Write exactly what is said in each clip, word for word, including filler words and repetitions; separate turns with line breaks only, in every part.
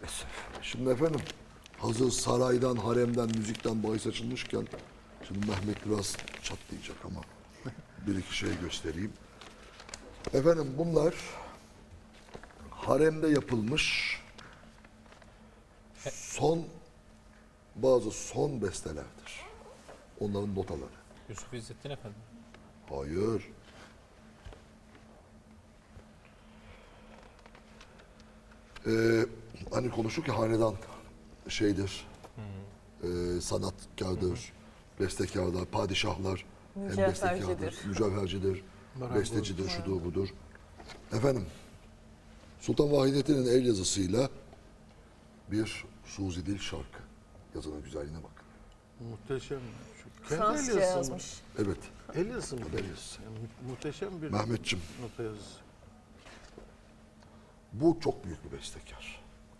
Şimdi efendim hazır saraydan, haremden, müzikten bahis açılmışken şimdi Mehmet biraz çatlayacak ama bir iki şey göstereyim. Efendim bunlar haremde yapılmış son bazı son bestelerdir. Onların notaları.
Yusuf İzzettin Efendi.
Hayır. Ee, hani konuştuk ki hanedan şeydir, hmm. e, sanatkardır, hmm. bestekarlar, padişahlar hem bestekardır, mücevhercidir, bestecidir, şudur budur. Efendim, Sultan Vahidettin'in el yazısıyla bir Suzi Dil şarkı. Yazının güzelliğine bak.
Muhteşem. Şu kendi
Fransızca
el yazısı
yazmış.
Evet.
El yazısı mı?
El yazısı.
Yani mu- muhteşem bir
Mehmetçim,
nota yazısı.
bu çok büyük bir bestekar.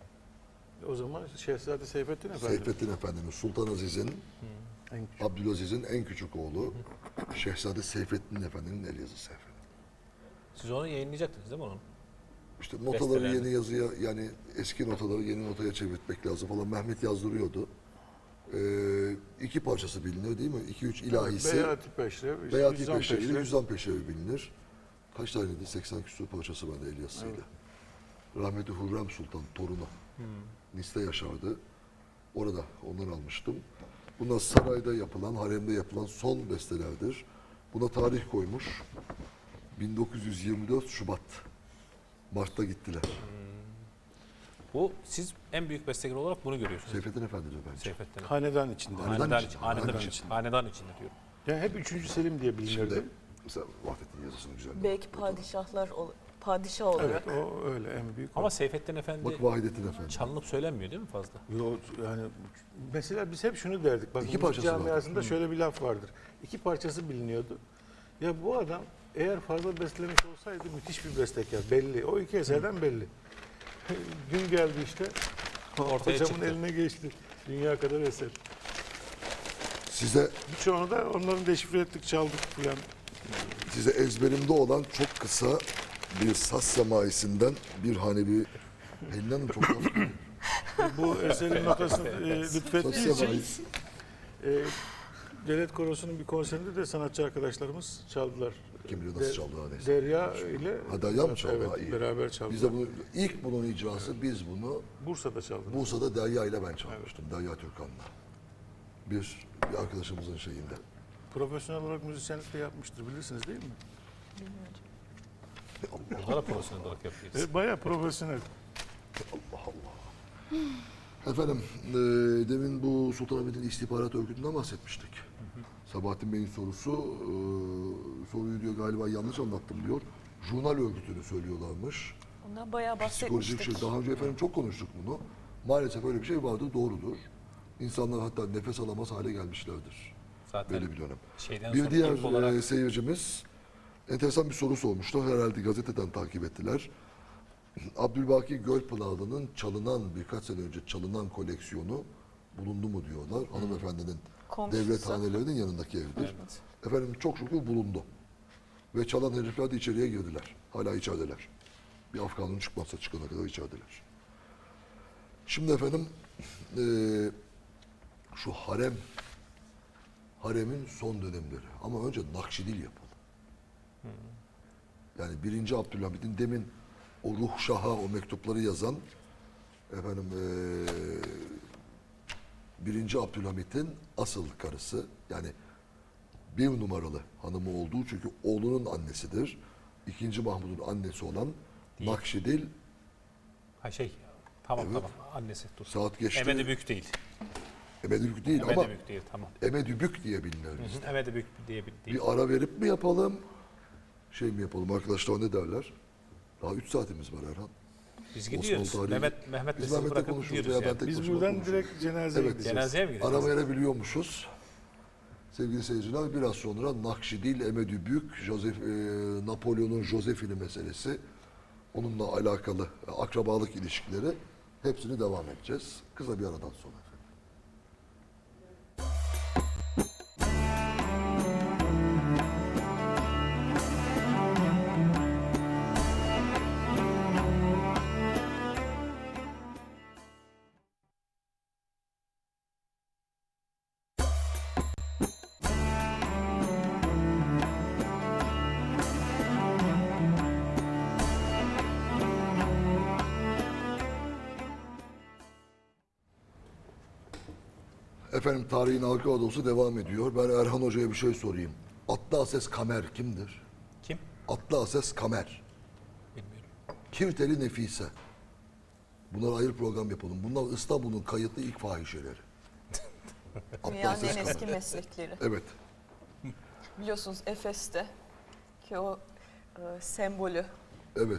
O zaman Şehzade Seyfettin Efendi.
Seyfettin Efendi'nin, Sultan Aziz'in,
En küçük.
Abdülaziz'in en küçük oğlu Şehzade Seyfettin Efendi'nin el yazısı efendim.
Siz onu yayınlayacaktınız değil mi onun?
İşte notaları
Besteler.
yeni yazıya, yani eski notaları yeni notaya çevirtmek lazım falan. Mehmet yazdırıyordu. Ee, iki parçası bilinir değil mi? İki üç ilahisi.
Beyati Peşrev, işte
Beyati
Hüzzam
Peşrevi ile
Peşrev.
Hüzzam Peşrevi bilinir. Kaç taneydi? seksen küsur parçası vardı el yazısıyla. Rahmetli Hürrem Sultan torunu. Nice'de yaşardı. Orada ondan almıştım. Bunlar sarayda yapılan, haremde yapılan son bestelerdir. Buna tarih koymuş. bin dokuz yüz yirmi dört Şubat. Mart'ta gittiler.
Bu siz en büyük bestekar olarak bunu görüyorsunuz.
Seyfettin Efendi'dir bence.
Seyfettin Efendi.
Hanedan içinde.
Hanedan
Hanedan
için,
için, hanedan
hanedan
için,
için.
hanedan içinde diyorum.
Yani hep üçüncü Selim diye bilinirdi.
Şimdi mesela Vahdettin yazısını güzel.
Belki padişahlar, ol- padişah olarak.
Evet, o öyle en büyük.
Ama
o.
Seyfettin Efendi
Bak Vahidettin Efendi.
çalınıp söylenmiyor değil mi fazla?
Yo, yani mesela biz hep şunu derdik. Bak,
İki
müzik
parçası vardır.
camiasında şöyle bir laf vardır. İki parçası biliniyordu. Ya bu adam eğer fazla bestelemiş olsaydı müthiş bir bestekar. Belli. O iki eserden belli. Gün geldi işte.
Ortaya
Hocamın
çıktı.
eline geçti. Dünya kadar eser.
Size
Birçoğunu da onların deşifre ettik, çaldık falan.
size ezberimde olan çok kısa bir saz semaisinden bir hanebi Pelin Hanım çok laf-
Bu eserin notasını e,
saz
lütfettiği için
semaisi.
e, Devlet Korosu'nun bir konserinde de sanatçı arkadaşlarımız çaldılar.
Kim bilir nasıl
De-
çaldı ha neyse.
Derya ile
Ha, Derya mı çaldı?
Evet,
Ha, iyi.
beraber çaldılar.
Biz de bunu ilk bunun icrası biz bunu
Bursa'da çaldılar.
Bursa'da Derya ile ben çalmıştım. Derya Türkan'la. Bir, bir arkadaşımızın şeyinde.
Profesyonel olarak müzisyenlik de yapmıştır, bilirsiniz değil mi?
Burada da profesyonel olarak yapıyoruz.
E, bayağı profesyonel.
Allah Allah. Efendim, e, demin bu Sultanahmet'in istihbarat örgütünden bahsetmiştik. Sabahattin Bey'in sorusu, e, soruyu diyor galiba yanlış anlattım diyor. Jurnal örgütünü söylüyorlarmış.
Ondan bayağı
Psikolojik
bahsetmiştik.
şey. Daha önce efendim çok konuştuk bunu. Maalesef öyle bir şey vardı, doğrudur. İnsanlar hatta nefes alamaz hale gelmişlerdir.
Zaten
Böyle bir dönem.
şeyden
Bir
sonra
diğer
ilk olarak
e, seyircimiz enteresan bir soru sormuştu. Herhalde gazeteden takip ettiler. Abdülbaki Gölpınarlı'nın çalınan, birkaç sene önce çalınan koleksiyonu bulundu mu diyorlar. Hanımefendinin
Komşusu.
devlet hanelerinin yanındaki evdir.
Evet.
Efendim çok şükür bulundu. Ve çalan herifler de içeriye girdiler. Hala içerideler. Bir af kanunu çıkmazsa çıkana kadar içerideler. Şimdi efendim eee, şu harem haremin son dönemleri. Ama önce Nakşidil yapalım. Yani birinci Abdülhamid'in demin o Ruh Şah'a o mektupları yazan efendim eee birinci Abdülhamid'in asıl karısı, yani bir numaralı hanımı olduğu, çünkü oğlunun annesidir. İkinci Mahmud'un annesi olan
Değil.
Nakşidil,
ha şey tamam
Evet.
tamam annesi dur.
saat geçti.
Emedi Büyük değil.
Emedübük değil
Emedi
ama
Büyük değil tamam.
Emedübük diye bilinir bizde.
Emedi Büyük diye bir değil.
Bir ara verip mi yapalım? Şey mi yapalım? Arkadaşlar ne derler? Daha üç saatimiz var Erhan.
Biz gidiyoruz.
Osmanlı tarihi-
Mehmet Mehmet'le
Biz
sizi
Mehmet'le
bırakıp
konuşuruz
gidiyoruz
veya ben
yani.
tek
Biz
başıma
buradan
konuşurum.
direkt cenazeye
Evet.
gideceğiz.
Cenazeye mi gideceğiz?
Ara verebiliyormuşuz. Sevgili seyirciler, biraz sonra Nakşidil, Emedübük, Josef, e, Napolyon'un Josephine meselesi, onunla alakalı akrabalık ilişkileri, hepsini devam edeceğiz. Kısa bir aradan sonra. Efendim tarihin halka odası devam ediyor. Ben Erhan Hoca'ya bir şey sorayım. Atlı Ases Kamer kimdir?
Kim?
Atlı Ases Kamer.
Bilmiyorum.
Kirteli Nefise. Bunlara ayrı program yapalım. Bunlar İstanbul'un kayıtlı ilk fahişeleri. Atlı
Dünyanın
Ases
en eski
Kamer.
meslekleri.
Evet.
Biliyorsunuz Efes'te ki o e, sembolü
Evet.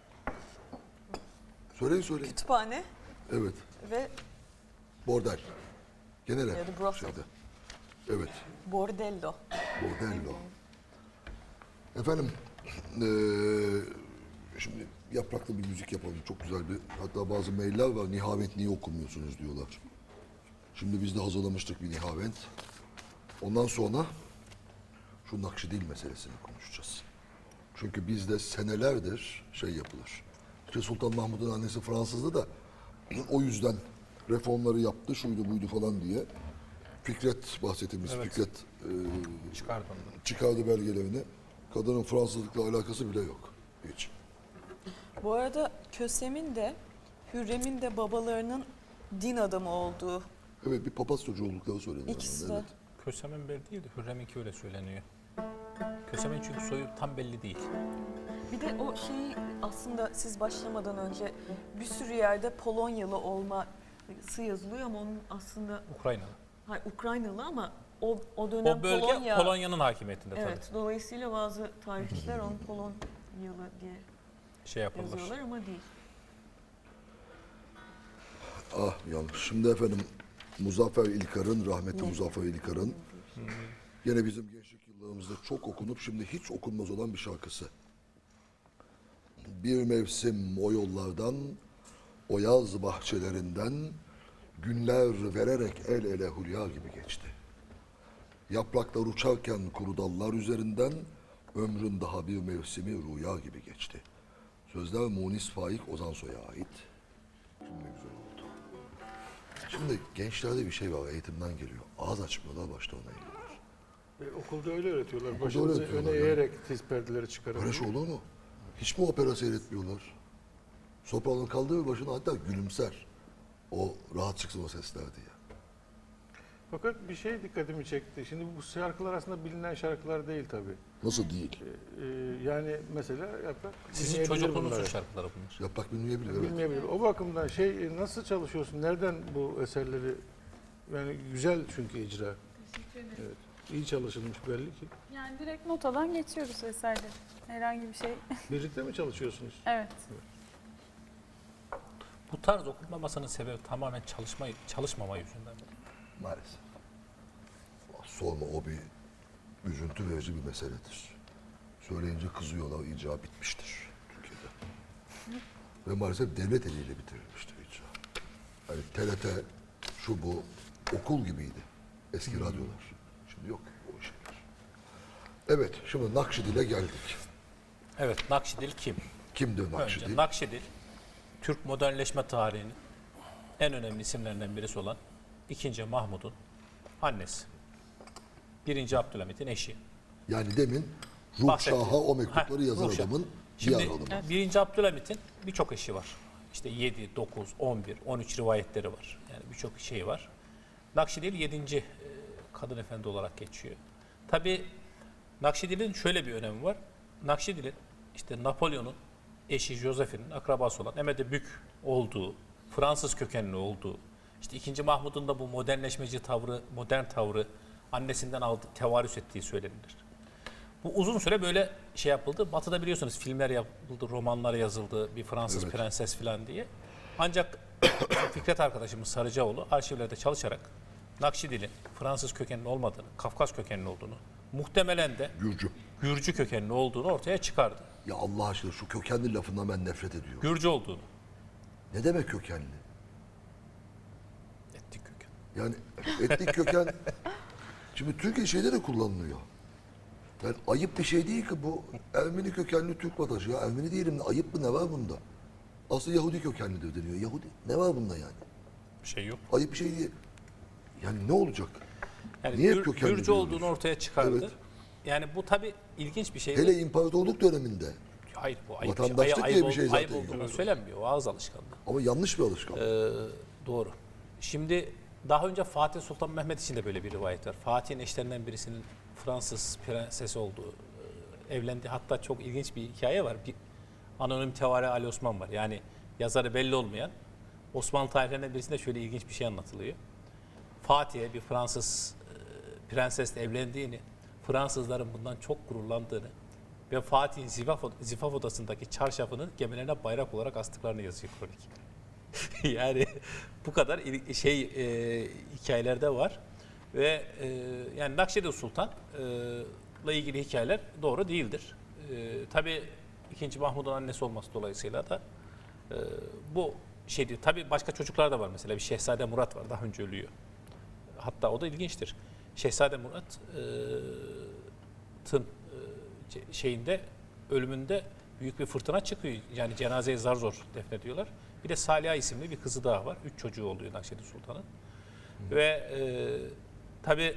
Söyleyin söyleyin.
kütüphane
Evet.
ve
Bordel. Genel ev.
Ya da brothel.
şeyde. Evet.
bordello.
Bordello. Efendim, eee, şimdi yapraklı bir müzik yapalım. Çok güzel bir, hatta bazı mailler var. Nihavent niye okumuyorsunuz diyorlar. Şimdi biz de hazırlamıştık bir Nihavent. Ondan sonra şu Nakşidil meselesini konuşacağız. Çünkü bizde senelerdir şey yapılır. İşte Sultan Mahmud'un annesi Fransızdı da o yüzden reformları yaptı, şuydu buydu falan diye. Fikret bahsettiğimiz
Evet.
Fikret eee
Çıkardı onu.
çıkardı belgelerini. Kadının Fransızlıkla alakası bile yok. Hiç.
Bu arada Kösem'in de Hürrem'in de babalarının din adamı olduğu
Evet, bir papaz çocuğu oldukları söyleniyor.
ikisi
yani,
de.
Evet.
Kösemen bir değil de Hürrem'inki öyle söyleniyor. Kösemen çünkü soyu tam belli değil.
Bir de o şeyi aslında siz başlamadan önce bir sürü yerde Polonyalı olması yazılıyor ama onun aslında
Ukraynalı.
hayır, Ukraynalı ama o o dönem
O bölge
Polonya.
Polonya'nın hakimiyetinde
Evet, dolayısıyla bazı tarihçiler onu Polonyalı diye
tabii. Şey yapılır.
yazıyorlar ama değil.
Ah yanlış. Şimdi efendim Muzaffer İlkar'ın, rahmetli Muzaffer İlkar'ın gene bizim gençlik yıllarımızda çok okunup şimdi hiç okunmaz olan bir şarkısı. Bir mevsim o yollardan, o yaz bahçelerinden günler vererek el ele hülya gibi geçti. Yapraklar uçarken kuru dallar üzerinden ömrün daha bir mevsimi rüya gibi geçti. Sözler Munis Faik Ozansoy'a ait. Şimdi ne güzel oldu. Şimdi gençlerde bir şey var, eğitimden geliyor. Ağız açmıyorlar, başlarına eğiyorlar.
E, okulda öyle öğretiyorlar.
Okulda
Başınızı
öyle öğretiyorlar
öne
yani.
eğerek tiz perdeleri çıkarın.
Böyle şey olur mu? Hiç mi opera seyretmiyorlar? Soprano kaldırır başına hatta gülümser. O rahat çıksın o sesler diye.
Fakat bir şey dikkatimi çekti. Şimdi bu şarkılar aslında bilinen şarkılar değil tabii.
Nasıl değil?
Ee, yani mesela yaprak
Sizin
dinleyebilir
çocukluğunuzun
bunları.
şarkıları bunlar.
Yaprak bilmeyebilir, evet.
Bilmeyebilir. O bakımdan şey e, nasıl çalışıyorsun? Nereden bu eserleri yani güzel çünkü icra.
Teşekkür ederim.
Evet. İyi çalışılmış belli ki.
Yani direkt notadan geçiyoruz eserleri. Herhangi bir şey.
Birlikte mi çalışıyorsunuz?
Evet.
Bu tarz okunmamasının sebebi tamamen çalışma, çalışmama yüzünden.
Maalesef. Sorma, o bir üzüntü verici bir meseledir. Söyleyince kızıyorlar, icra bitmiştir Türkiye'de. Ve maalesef devlet eliyle bitirilmiştir icra. Yani T R T, şu bu, okul gibiydi eski radyolar. Şimdi yok o şeyler. Evet, şimdi Nakşidil'e geldik.
Evet, Nakşidil kim?
Kimdir
Önce
Nakşidil?
Nakşidil, Türk modernleşme tarihinin en önemli isimlerinden birisi olan ikinci. Mahmud'un annesi. birinci. Abdülhamit'in eşi.
Yani demin Ruh
Bahsettim.
Şah'a o mektupları
Heh,
yazan
Ruh Şah.
adamın
Şimdi
diğer hanımı.
birinci. Abdülhamit'in birçok eşi var. İşte yedi, dokuz, on bir, on üç rivayetleri var. Yani birçok şeyi var. Nakşidil yedinci. kadın efendi olarak geçiyor. Tabii Nakşidil'in şöyle bir önemi var. Nakşidil'in işte Napolyon'un eşi Josephine'in akrabası olan Emede Bük olduğu, Fransız kökenli olduğu, işte ikinci. Mahmud'un da bu modernleşmeci tavrı, modern tavrı annesinden aldı, tevarüs ettiği söylenilir. Bu uzun süre böyle şey yapıldı. Batı'da biliyorsunuz filmler yapıldı, romanlar yazıldı, bir Fransız
Evet.
prenses falan diye. Ancak Fikret arkadaşımız Sarıcaoğlu arşivlerde çalışarak Nakşidil'in Fransız kökenli olmadığını, Kafkas kökenli olduğunu, muhtemelen de
Gürcü.
Gürcü kökenli olduğunu ortaya çıkardı.
Ya Allah aşkına şu kökenli lafından ben nefret ediyorum.
Gürcü olduğunu.
Ne demek kökenli?
Etnik köken.
Yani etnik köken şimdi Türkiye şeyde de kullanılıyor. Yani ayıp bir şey değil ki bu Ermeni kökenli Türk vatandaşı. Ya Ermeni diyelim de ayıp mı ne var bunda? Aslında Yahudi kökenlidir deniyor. Yahudi ne var bunda yani?
Bir şey yok.
Ayıp bir şey değil. Yani ne olacak?
Yani
Niye
Gür-
kökenli
Gürcü
diyoruz?
olduğunu ortaya çıkardı.
Evet.
Yani bu tabii ilginç bir şey.
Hele imparatorluk döneminde.
Hayır bu ayıp,
Vatandaşlık
ayıp,
diye
ayıp,
bir şey
ol- ayıp
zaten
olduğunu
yok.
söylenmiyor. O ağız alışkanlığı.
Ama yanlış bir alışkanlık.
Ee, doğru. Şimdi Daha önce Fatih Sultan Mehmet için de böyle bir rivayet var. Fatih'in eşlerinden birisinin Fransız prensesi olduğu, e, evlendi. Hatta çok ilginç bir hikaye var. Bir anonim tevari Ali Osman var. Yani yazarı belli olmayan Osmanlı tarihlerinde birisinde şöyle ilginç bir şey anlatılıyor. Fatih'e bir Fransız e, prensesle evlendiğini, Fransızların bundan çok gururlandığını ve Fatih'in zifaf, zifaf odasındaki çarşafını gemilerine bayrak olarak astıklarını yazıyor kronik. Yani bu kadar il- şey e, hikayelerde var ve e, yani Nakşibend Sultan e, ile ilgili hikayeler doğru değildir. E, tabii ikinci Mahmud'un annesi olması dolayısıyla da e, bu şey değil. Tabii başka çocuklar da var, mesela bir Şehzade Murat var, daha önce ölüyor. Hatta o da ilginçtir. Şehzade Murat'ın e, şeyinde, ölümünde büyük bir fırtına çıkıyor. Yani cenazeyi zar zor defnediyorlar. Bir de Saliha isimli bir kızı daha var. Üç çocuğu oluyor Nakşibend Sultan'ın. Ve e, tabii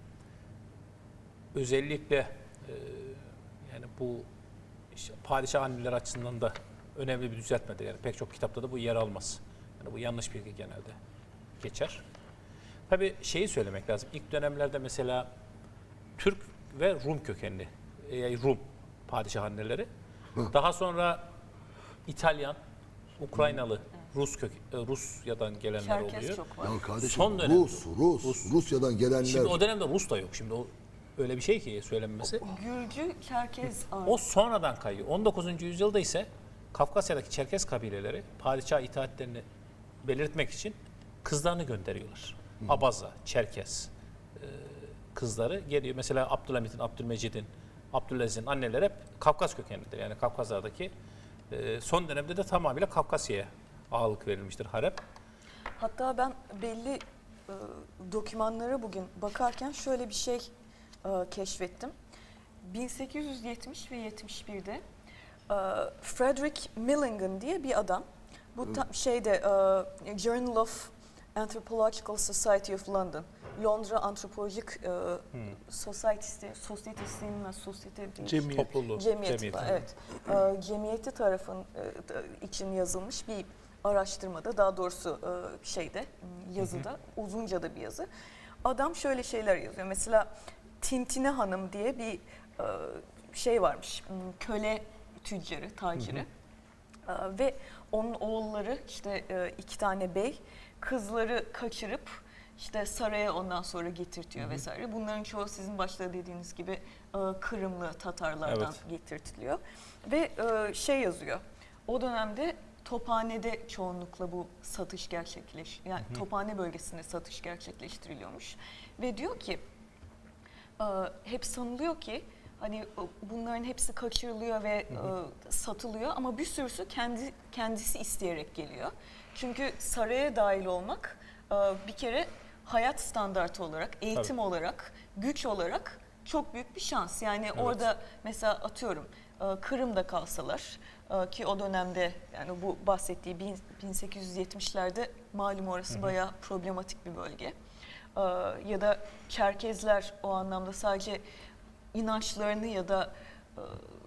özellikle e, yani bu işte padişah anneler açısından da önemli bir düzeltmedir. Yani pek çok kitapta da bu yer almaz. Yani bu yanlış bilgi genelde geçer. Tabii şeyi söylemek lazım. İlk dönemlerde mesela Türk ve Rum kökenli, yani Rum padişah anneleri. Daha sonra İtalyan, Ukraynalı, Rus kök, Rusya'dan gelenler
Çerkez
oluyor.
çok var.
Ya kardeşim
Son dönemde
Rus, Rus,
Rus.
Rusya'dan gelenler.
Şimdi o dönemde Rus da yok. Şimdi o öyle bir şey ki söylenmesi.
Gürcü, Çerkez ağır.
O sonradan kayıyor. on dokuzuncu yüzyılda ise Kafkasya'daki Çerkez kabileleri padişah itaatlerini belirtmek için kızlarını gönderiyorlar. Abaza, Çerkez e, kızları geliyor. Mesela Abdülhamit'in, Abdülmecid'in, Abdülaziz'in anneleri hep Kafkas kökenlidir. Yani Kafkaslar'daki e, son dönemde de tamamıyla Kafkasya'ya ağırlık verilmiştir harem.
Hatta ben belli e, dokümanlara bugün bakarken şöyle bir şey e, keşfettim. bin sekiz yüz yetmiş ve yetmiş birde e, Frederick Millingen diye bir adam, bu ta- şeyde e, Journal of Anthropological Society of London, Londra Antropolojik e, Society'si, sosyetesinin ve sosyete değil.
Cemiyet.
Topluluğu,
Cemiyeti,
cemiyeti.
var, evet. Ee, cemiyeti tarafın e, için yazılmış bir araştırmada, daha doğrusu e, şeyde, yazıda, uzunca da bir yazı. Adam şöyle şeyler yazıyor. Mesela Tintine Hanım diye bir e, şey varmış, m, köle tüccarı, taciri. Ee, ve onun oğulları, işte e, iki tane bey, kızları kaçırıp işte saraya ondan sonra getirtiyor vesaire. Bunların çoğu sizin başta dediğiniz gibi e, Kırımlı Tatarlardan
Evet.
getirtiliyor. Ve e, şey yazıyor, o dönemde Tophane'de çoğunlukla bu satış gerçekleş, yani Tophane bölgesinde satış gerçekleştiriliyormuş. Ve diyor ki, e, hep sanılıyor ki hani e, bunların hepsi kaçırılıyor ve e, satılıyor, ama bir sürüsü kendi kendisi isteyerek geliyor. Çünkü saraya dahil olmak e, bir kere hayat standartı olarak, eğitim olarak, güç olarak çok büyük bir şans. Yani orada mesela atıyorum e, Kırım'da kalsalar, e, ki o dönemde, yani bu bahsettiği bin- bin sekiz yüz yetmişlerde malum orası bayağı problematik bir bölge. E, ya da Çerkezler o anlamda sadece inançlarını ya da e,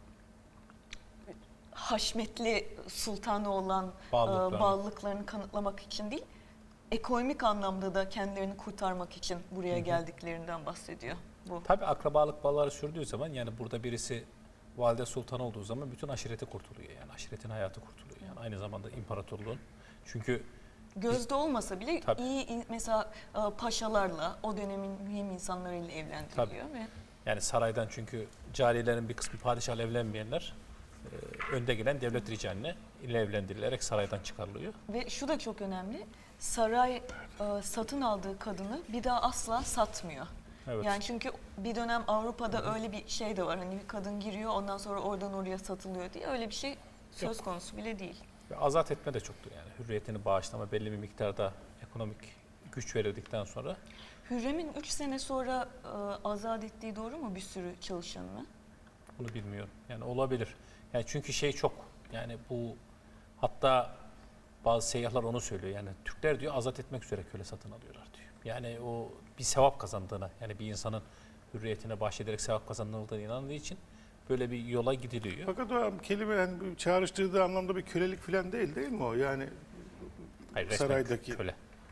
haşmetli sultanı olan e,
Bağlılıklarını.
bağlılıklarını kanıtlamak için değil, ekonomik anlamda da kendilerini kurtarmak için buraya geldiklerinden bahsediyor bu.
Tabii akrabalık bağları sürdüğü zaman, yani burada birisi valide sultan olduğu zaman bütün aşireti kurtuluyor. Yani aşiretin hayatı kurtuluyor. Yani aynı zamanda imparatorluğun. Çünkü
Gözde olmasa bile
Tabii.
iyi in- mesela e, paşalarla, o dönemin mühim insanlarıyla evlendiriliyor ve
yani saraydan, çünkü cariyelerin bir kısmı padişahla evlenmeyenler e, önde gelen devlet ricaline ile evlendirilerek saraydan çıkarılıyor.
ve şu da çok önemli. Saray e, satın aldığı kadını bir daha asla satmıyor.
Evet.
Yani çünkü bir dönem Avrupa'da öyle bir şey de var. Hani bir kadın giriyor, ondan sonra oradan oraya satılıyor diye, öyle bir şey söz konusu bile değil.
Ve azat etme de çoktu yani. Hürriyetini bağışlama, belli bir miktarda ekonomik güç verildikten sonra.
Hürrem'in üç sene sonra e, azat ettiği doğru mu bir sürü çalışanını?
Bunu bilmiyorum. Yani olabilir. Yani çünkü şey çok, yani bu, hatta bazı seyyahlar onu söylüyor. Yani Türkler diyor azat etmek üzere köle satın alıyorlar diyor. Yani o bir sevap kazandığına, yani bir insanın hürriyetine bahşederek sevap kazanıldığına inandığı için böyle bir yola gidiliyor.
Fakat o kelime yani bir çağrıştırdığı anlamda bir kölelik falan değil değil mi o? Yani
Hayır, resmen
saraydaki-
köle.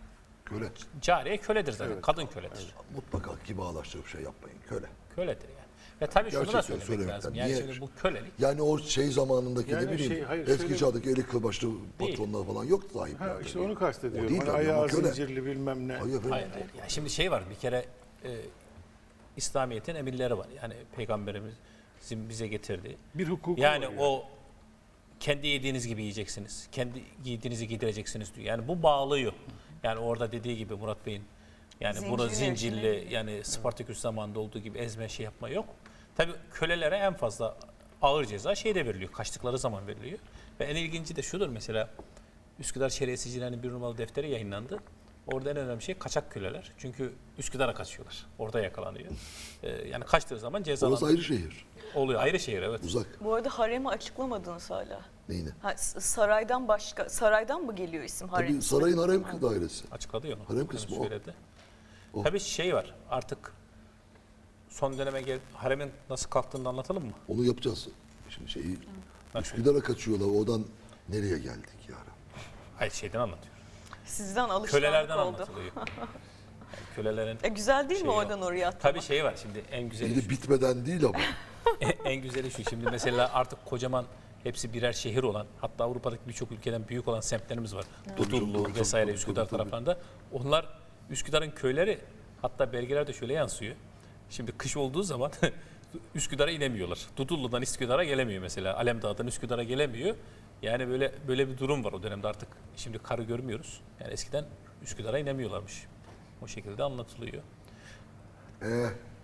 Köle.
Cariye köledir zaten.
Evet.
Kadın köledir.
Mutlaka kibarlaştırıp şey yapmayın. Köle.
Köledir yani. Ve tabii şunu da
Gerçekten
söylemek
söylemekten.
lazım. Yani
Niye?
şimdi bu kölelik
Yani o şey zamanındaki
Yani
ne bileyim
şey, hayır,
eski
şöyle-
çağdaki eli kılbaşlı patronlar falan yok
Ha,
sahipler.
işte onu kastediyorum.
O değil
Hani
tabii ama
ayağı
köle.
zincirli bilmem ne.
Hayır efendim.
hayır, hayır. Yani şimdi şey var bir kere e, İslamiyet'in emirleri var. Yani Peygamberimizin bize getirdiği.
Bir hukuku
Yani
var
o kendi yediğiniz gibi yiyeceksiniz. Kendi giydiğinizi giydireceksiniz diyor. Yani bu bağlıyor. Yani orada dediği gibi Murat Bey'in yani bunu
Zincirli,
zincirli
zincirli.
yani Spartaküs zamanında olduğu gibi ezme şey yapma yok. Tabii kölelere en fazla ağır ceza şeyde veriliyor. Kaçtıkları zaman veriliyor. Ve en ilginci de şudur mesela Üsküdar Şeriyesicilerinin bir numaralı defteri yayınlandı. Orada en önemli şey kaçak köleler. Çünkü Üsküdar'a kaçıyorlar. Orada yakalanıyor. Ee, yani kaçtığı zaman
Orası
cezalandırıyor.
ayrı şehir.
Oluyor. Ayrı şehir evet.
Uzak.
Bu arada haremi açıklamadınız hala.
Neyine?
Ha, s- saraydan başka, saraydan mı geliyor isim harem?
Tabii sarayın harem dairesi.
Açıkladı ya onu.
Harem kısmı
Yani
o.
söyledi.
O.
Tabii şey var artık son döneme gel haremin nasıl kalktığını anlatalım mı?
Onu yapacağız. Şimdi şeyi
Nasıl?
Üsküdar'a kaçıyorlar. Oradan nereye geldik yani?
Hayır şeyden anlatıyor.
Sizden alışkanlık
Kölelerden
oldu.
anlatılıyor. Yani kölelerin
E, güzel değil mi
Şey
oradan oraya atlamak?
tabii şey var şimdi en güzeli
Bir
şu.
de bitmeden değil ama.
en güzeli şu. Şimdi mesela artık kocaman hepsi birer şehir olan hatta Avrupa'daki birçok ülkeden büyük olan semtlerimiz var. Dudullu
Tabii,
vesaire
tabii,
Üsküdar
tabii, tabii.
taraflarında. Onlar Üsküdar'ın köyleri hatta belgelerde şöyle yansıyor. Şimdi kış olduğu zaman Üsküdar'a inemiyorlar. Dudullu'dan Üsküdar'a gelemiyor mesela. Alemdağ'dan Üsküdar'a gelemiyor. Yani böyle böyle bir durum var o dönemde artık. Şimdi karı görmüyoruz. Yani eskiden Üsküdar'a inemiyorlarmış. O şekilde anlatılıyor.
Ee,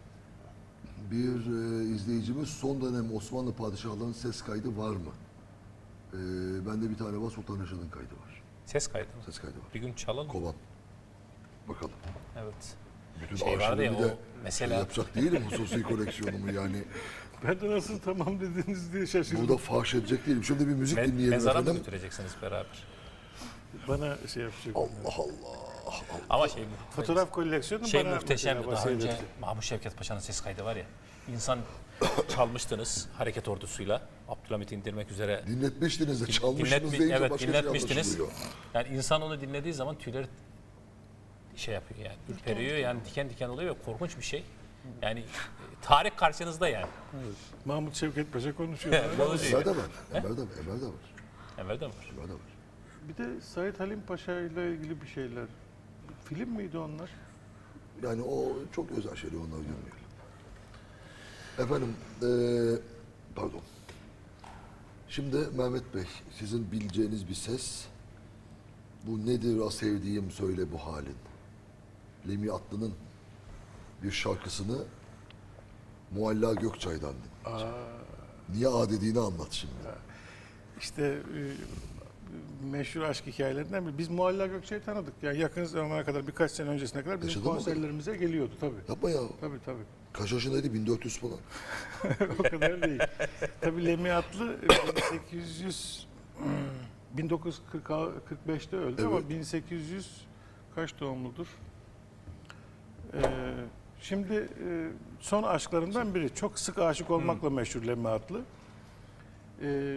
bir e, izleyicimiz son dönem Osmanlı padişahlarının ses kaydı var mı? Ee, bende bir tane var, Sultan Reşat'ın kaydı var.
Ses kaydı mı?
Ses kaydı var.
Bir gün çalalım.
Kovan. Bakalım.
Evet.
Bütün
Şey vardı ya,
arşivimi de
o mesela-
şey yapacak değilim hususi koleksiyonumu yani.
Ben de nasıl tamam dediniz diye şaşırdım.
Burada fahş edecek değilim. Şöyle bir müzik
Me-
dinleyelim
mezara mı
efendim.
götüreceksiniz beraber?
Bana şey yapacak.
Allah Allah.
Ama şey
Fotoğraf koleksiyonu
şey
bana
muhteşemdi.
mesela
Daha
bahsedelim.
önce Mahmut Şevket Paşa'nın ses kaydı var ya. İnsan çalmıştınız hareket ordusuyla. Abdülhamit'i indirmek üzere.
Dinletmiştiniz de çalmışsınız
Dinletmi-
deyince
evet
başka şey
dinletmiştiniz.
anlaşılıyor.
Yani insan onu dinlediği zaman tüyleri şey yapıyor yani. Ürperiyor yani diken diken oluyor ve korkunç bir şey. Yani e, tarih karşınızda yani.
Mahmut Şevket Paşa konuşuyor.
Konuşuyor.
Emel de var. Emel de var. Emel de var.
Emel de var.
Emel de var.
Bir de Said Halim Paşa ile ilgili bir şeyler. Film miydi onlar?
Yani o çok özel şeyler, onları görmeyelim. Efendim, eee, pardon. Şimdi Mehmet Bey, sizin bileceğiniz bir ses. Bu nedir o sevdiğim söyle bu halin. Lemi Atlı'nın bir şarkısını Mualla Gökçay'dan dinleyeceğim. Niye A dediğini anlat şimdi.
İşte e, meşhur aşk hikayelerinden biri. Biz Mualla Gökçe'yi tanıdık. Yani yakın zamana kadar, birkaç sene öncesine kadar bizim
Yaşadı mı?
konserlerimize geliyordu tabii.
Yapma ya.
Tabii tabii.
Kaç yaşındaydı? bin dört yüz falan.
O kadar değil. Tabii Lemi Atlı bin sekiz yüz bin dokuz yüz kırk beşte öldü
Evet.
ama bin sekiz yüz kaç doğumludur? Ee, şimdi e, son aşklarından biri. Çok sık aşık olmakla meşhur Lemi Atlı. Ee,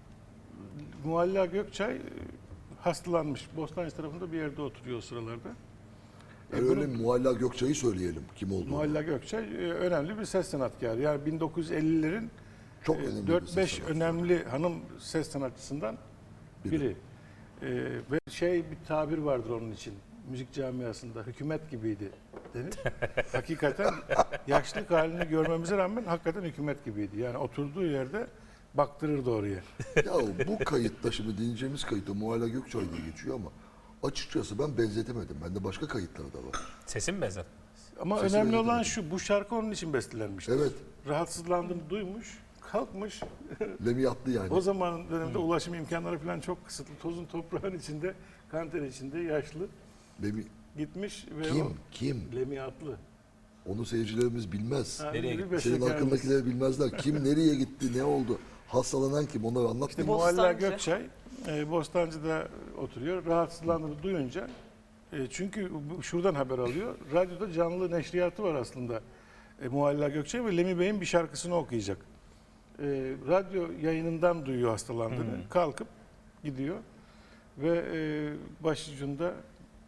Mualla Gökçay e, hastalanmış. Bostancı tarafında bir yerde oturuyor o sıralarda. E,
Yani
bunu-
öyle Mualla Gökçay'ı söyleyelim kim olduğunu.
Mualla Gökçay e, önemli bir ses sanatkarı. Yani bin dokuz yüz ellilerin
Çok önemli bir
dört beş
ses sanatçısı.
önemli hanım ses sanatçısından
Biri.
biri. Ee, ve şey bir tabir vardır onun için. Müzik camiasında hükümet gibiydi denir. Hakikaten yaşlık halini görmemize rağmen hakikaten hükümet gibiydi. Yani oturduğu yerde baktırırdı oraya.
Ya bu kayıtta şimdi dinleyeceğimiz kayıtta Mualla Gökçay diye geçiyor ama açıkçası ben benzetemedim. Bende başka kayıtlar da var.
Sesim mi benzer?
Ama
Sesi
önemli olan
benzetemedim.
şu, bu şarkı onun için bestelenmiştir.
Evet.
Rahatsızlandığını duymuş, kalkmış.
Lemi Atlı yani.
O zaman dönemde ulaşım imkanları falan çok kısıtlı. Tozun toprağın içinde, kanter içinde yaşlı
Lemi,
gitmiş ve
kim?
o
Kim?
Lemi Atlı.
Onu seyircilerimiz bilmez.
Ha,
Nereye
bir
gitti?
Senin
bestekarımız.
hakkındakileri bilmezler. Kim nereye gitti, ne oldu? Hastalanan kim? Onları anlat.
İşte
bir.
Bostancı.
Mualla Gökçay e, Bostancı'da oturuyor. Rahatsızlandığını duyunca e, çünkü bu- şuradan haber alıyor. Radyoda canlı neşriyatı var aslında. E, Mualla Gökçay ve Lemi Bey'in bir şarkısını okuyacak. E, radyo yayınından duyuyor hastalandığını. Kalkıp gidiyor ve e, başucunda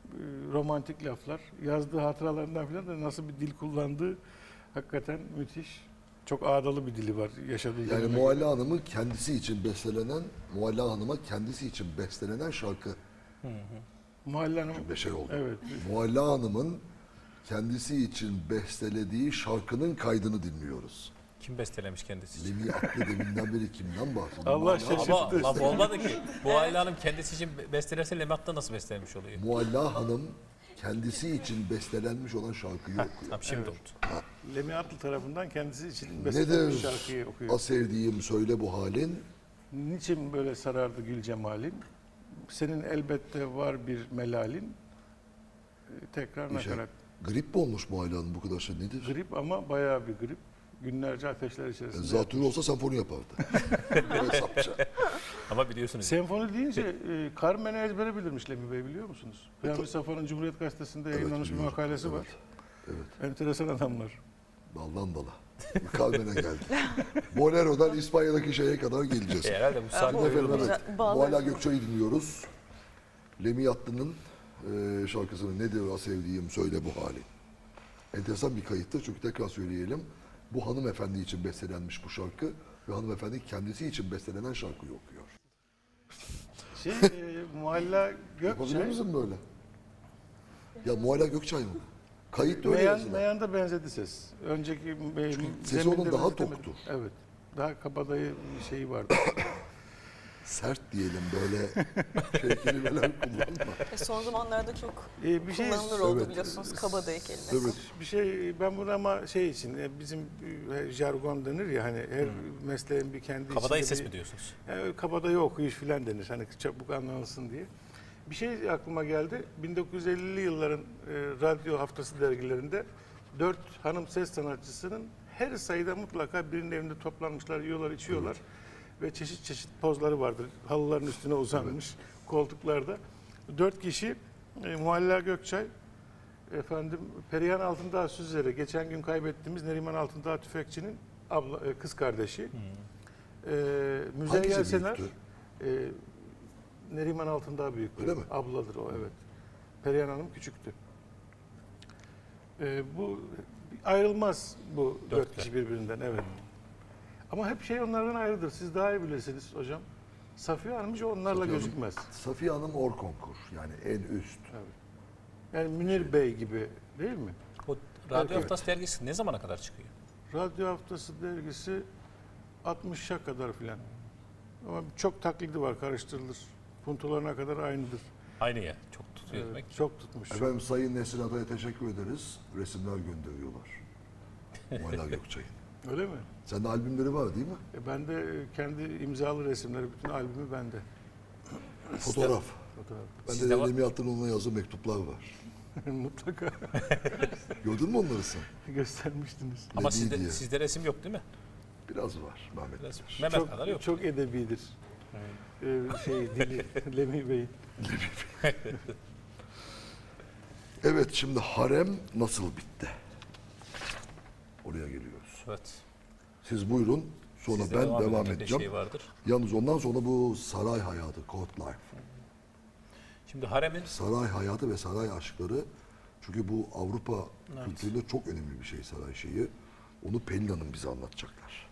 romantik laflar. Yazdığı hatıralarından falan da nasıl bir dil kullandığı hakikaten müthiş. Çok ağdalı bir dili var yaşadığı
Yani
döneme
Mualla
göre.
Hanım'ın kendisi için bestelenen, Mualla Hanım'a kendisi için bestelenen şarkı.
Mualla Hanım,
Bir şey oldu.
evet.
Mualla Hanım'ın kendisi için bestelediği şarkının kaydını dinliyoruz.
Kim bestelemiş kendisi için?
Levi aklı deminden beri kimden bahsediyor?
Allah
Mualla-
şaşırttı.
Ama laf olmadı ki. Bu Ayla Hanım kendisi için bestelerse Lemat'ta nasıl bestelemiş oluyor?
Mualla Hanım kendisi için bestelenmiş olan şarkıyı okuyor.
Tamam şimdi
Evet.
oldu.
Lemi Atlı tarafından kendisi için bestelenmiş
Nedir
şarkıyı okuyor.
a sevdiğim söyle bu halin?
Niçin böyle sarardı gül cemalin? Senin elbette var bir melalin. Ee, Tekrar
Bir şey.
nakarat.
Grip mi olmuş Mualla Hanım bu kadar şey nedir?
Grip ama bayağı bir grip. Günlerce ateşler içerisinde.
Zatürre olsa senfoni yapardı. Hesapça.
Ama biliyorsunuz.
Senfoni deyince e, Carmen'i ezbere bilirmiş Lemi Bey, biliyor musunuz? Peyami Safa'nın Cumhuriyet Gazetesi'nde yayınlanmış bir
biliyorum.
makalesi var.
Evet.
Enteresan adamlar.
Daldan dala. Kalbine geldi. Bolero'dan İspanya'daki şeye kadar geleceğiz.
E, herhalde bu
bu-
sahne
Efendim
öyle
evet.
Güzel, bağlar-
Mualla Gökçe'yi dinliyoruz. Lemi Yatlı'nın e, şarkısını nedir a sevdiğim söyle bu hali. Enteresan bir kayıttır çünkü tekrar söyleyelim. Bu hanımefendi için bestelenmiş bu şarkı ve hanımefendi kendisi için bestelenen şarkıyı okuyor.
Şey, e, Mualla
Yapabiliyor
Gökçay,
musun böyle? Ya Mualla Gökçay mı? Kayıt da öyle
Meyan,
yazılan.
Meyan'da benzedi ses. Önceki e,
sesi
zeminde
onun daha
benzetemedi.
toktu.
Evet. Daha kabadayı bir şeyi vardı.
Sert diyelim böyle şey kelimeler kullanma.
E, son zamanlarda çok
E, bir şey
kullanılır oldu
evet.
biliyorsunuz kabadayı kelimesi.
Evet.
bir şey ben bunu ama şey için e, bizim e, jargon denir ya, hani her mesleğin bir kendi
Kabadayı
içinde
ses
bir-
mi diyorsunuz?
Yani kabadayı okuyuş filan denir. Hani çabuk anlansın diye. Bir şey aklıma geldi. bin dokuz yüz ellili yılların e, radyo haftası dergilerinde dört hanım ses sanatçısının her sayıda mutlaka birinin evinde toplanmışlar, yiyorlar, içiyorlar. Ve çeşit çeşit pozları vardır. Halıların üstüne uzanmış koltuklarda. Dört kişi e, Mualla Gökçay, efendim Perihan Altındağ Süzer'e, geçen gün kaybettiğimiz Neriman Altındağ Tüfekçi'nin abla, e, kız kardeşi. E, Müzeyyen
Hangisi
Sener,
büyüktü?
e, Neriman Altındağ büyüktü.
Öyle mi?
Abladır o, evet. Perihan Hanım küçüktü. E, bu ayrılmaz bu dört,
Dörtlü.
kişi birbirinden, evet. Ama hep şey onlardan ayrıdır. Siz daha iyi bilirsiniz hocam. Safiye Hanım hiç onlarla
Safiye Hanım-
gözükmez.
Safiye Hanım Orkonkur yani en üst.
Yani Münir Bey gibi değil mi?
O Radyo
Evet.
Haftası dergisi ne zamana kadar çıkıyor?
Radyo Haftası dergisi altmışa kadar filan. Ama çok taklidi var, karıştırılır. Puntolarına kadar aynıdır.
Aynı ya. Çok tutuyor
Evet,
demek.
çok tutmuş.
Efendim Sayın Nesrin Atay'a teşekkür ederiz. Resimler gönderiyorlar. Mualla Gökçay'ın.
Öyle mi?
Sende albümleri var değil mi?
E ben de e, kendi imzalı resimleri, bütün albümü bende.
Fotoğraf.
Fotoğraf.
Bende
Sizde
de
var-
Lemi Yatlı'nın ona yazdığı mektuplar var.
Mutlaka
Gördün mü onları sen?
göstermiştiniz.
Ama
Lebi
sizde,
diye.
sizde resim yok değil mi?
Biraz var. Mehmet
Biraz,
var.
Mehmet
Çok,
kadar yok.
çok edebidir. Ee, şey dili Lemi Bey'in.
Evet şimdi harem nasıl bitti? Oraya geliyoruz.
Evet.
Siz buyurun. Sonra
Sizde
ben
devam
devam,
eden bir
edeceğim.
Şey vardır.
Yalnız ondan sonra bu saray hayatı, court life.
Şimdi haremin
Saray hayatı ve saray aşkları. Çünkü bu Avrupa
Evet.
kültüründe çok önemli bir şey saray şeyi. Onu Pelin Hanım bize anlatacaklar.